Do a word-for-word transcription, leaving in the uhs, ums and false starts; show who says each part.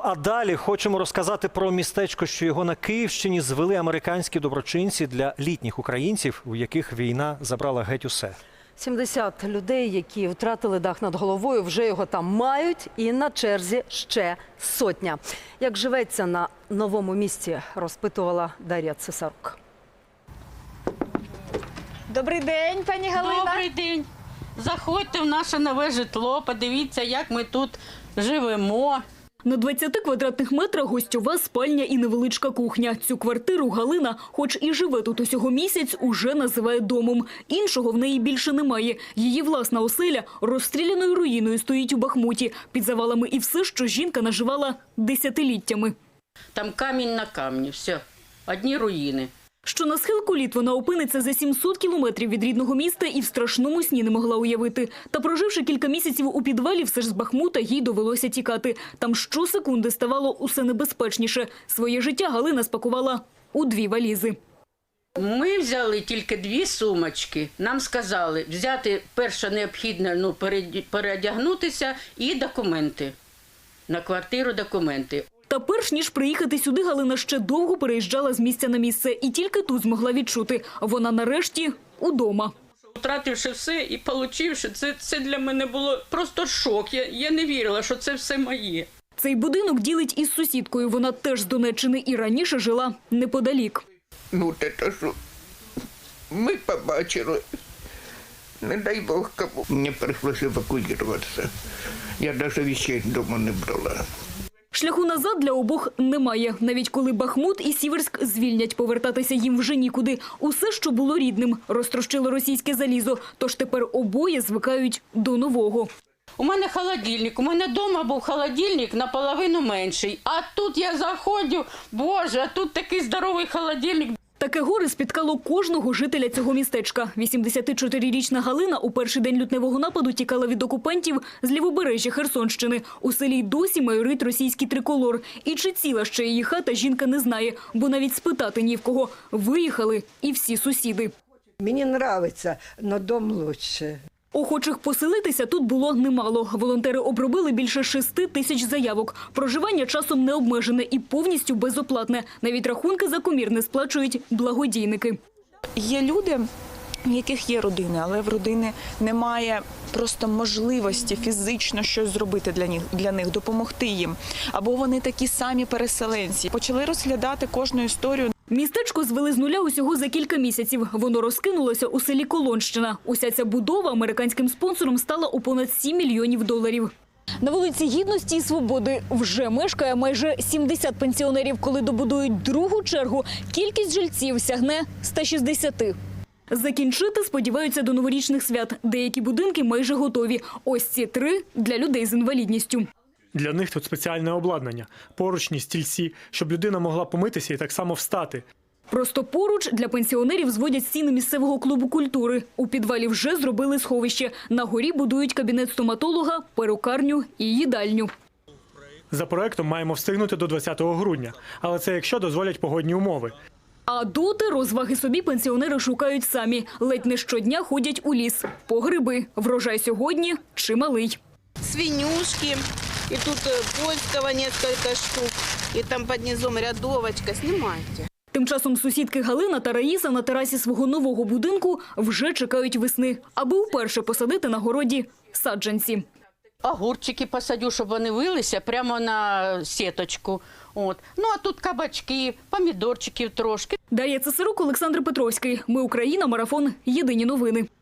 Speaker 1: А далі хочемо розказати про містечко, що його на Київщині звели американські доброчинці для літніх українців, у яких війна забрала геть усе.
Speaker 2: сімдесят людей, які втратили дах над головою, вже його там мають, і на черзі ще сотня. Як живеться на новому місці, розпитувала Дар'я Цесарук.
Speaker 3: Добрий день, пані Галина.
Speaker 4: Добрий день. Заходьте в наше нове житло, подивіться, як ми тут живемо.
Speaker 5: На двадцяти квадратних метрах гостьова спальня і невеличка кухня. Цю квартиру Галина, хоч і живе тут усього місяць, уже називає домом. Іншого в неї більше немає. Її власна оселя розстріляною руїною стоїть у Бахмуті. Під завалами і все, що жінка наживала десятиліттями.
Speaker 4: Там камінь на камні, все, одні руїни.
Speaker 5: Що на схилку літ вона опиниться за сімсот кілометрів від рідного міста і в страшному сні не могла уявити. Та проживши кілька місяців у підвалі, все ж з Бахмута їй довелося тікати. Там щосекунди ставало усе небезпечніше. Своє життя Галина спакувала у дві валізи.
Speaker 4: Ми взяли тільки дві сумочки. Нам сказали взяти перше необхідне, ну, переодягнутися і документи. На квартиру документи.
Speaker 5: Та перш ніж приїхати сюди, Галина ще довго переїжджала з місця на місце. І тільки тут змогла відчути – вона нарешті удома.
Speaker 4: Втративши все і отримавши, це, це для мене було просто шок. Я, я не вірила, що це все моє.
Speaker 5: Цей будинок ділить із сусідкою. Вона теж з Донеччини і раніше жила неподалік.
Speaker 6: Ну, те, що ми побачили. Не дай Бог кому. Мені прийшлося евакуюватися. Я навіть вещей вдома не брала.
Speaker 5: Шляху назад для обох немає. Навіть коли Бахмут і Сіверськ звільнять, повертатися їм вже нікуди. Усе, що було рідним, розтрощило російське залізо. Тож тепер обоє звикають до нового.
Speaker 4: У мене холодильник, у мене вдома був холодильник наполовину менший. А тут я заходжу, боже, а тут такий здоровий холодильник.
Speaker 5: Таке горе спіткало кожного жителя цього містечка. вісімдесятичотирирічна Галина у перший день лютневого нападу тікала від окупантів з лівобережжя Херсонщини. У селі досі майорить російський триколор. І чи ціла ще її хата, жінка не знає, бо навіть спитати ні в кого. Виїхали і всі сусіди.
Speaker 7: Мені подобається, але дом краще.
Speaker 5: Охочих поселитися тут було немало. Волонтери обробили більше шести тисяч заявок. Проживання часом не обмежене і повністю безоплатне. Навіть рахунки за комір не сплачують благодійники.
Speaker 3: Є люди, в яких є родини, але в родини немає просто можливості фізично щось зробити для них, для них, допомогти їм. Або вони такі самі переселенці. Почали розглядати кожну історію.
Speaker 5: Містечко звели з нуля усього за кілька місяців. Воно розкинулося у селі Колонщина. Уся ця будова американським спонсором стала у понад сім мільйонів доларів. На вулиці Гідності і Свободи вже мешкає майже сімдесят пенсіонерів. Коли добудують другу чергу, кількість жильців сягне ста шістдесяти. Закінчити сподіваються до новорічних свят. Деякі будинки майже готові. Ось ці три – для людей з інвалідністю.
Speaker 8: Для них тут спеціальне обладнання – поручні, стільці, щоб людина могла помитися і так само встати.
Speaker 5: Просто поруч для пенсіонерів зводять стіни місцевого клубу культури. У підвалі вже зробили сховище. На горі будують кабінет стоматолога, перукарню і їдальню.
Speaker 8: За проектом маємо встигнути до двадцятого грудня, але це якщо дозволять погодні умови.
Speaker 5: А доти розваги собі пенсіонери шукають самі. Ледь не щодня ходять у ліс. По гриби. Врожай сьогодні чималий.
Speaker 9: Свинюшки, и тут польского несколько штук, и там под низом рядовочка. Снимайте.
Speaker 5: Тим часом сусідки Галина та Раїса на терасі свого нового будинку вже чекають весни, аби вперше посадити на городі саджанці.
Speaker 4: Огурчики посадю, щоб вони вилися прямо на сіточку. От. Ну, а тут кабачки, помідорчиків трошки.
Speaker 5: Дар'я Цесарук, Олександр Петровський. Ми Україна. Марафон. Єдині новини.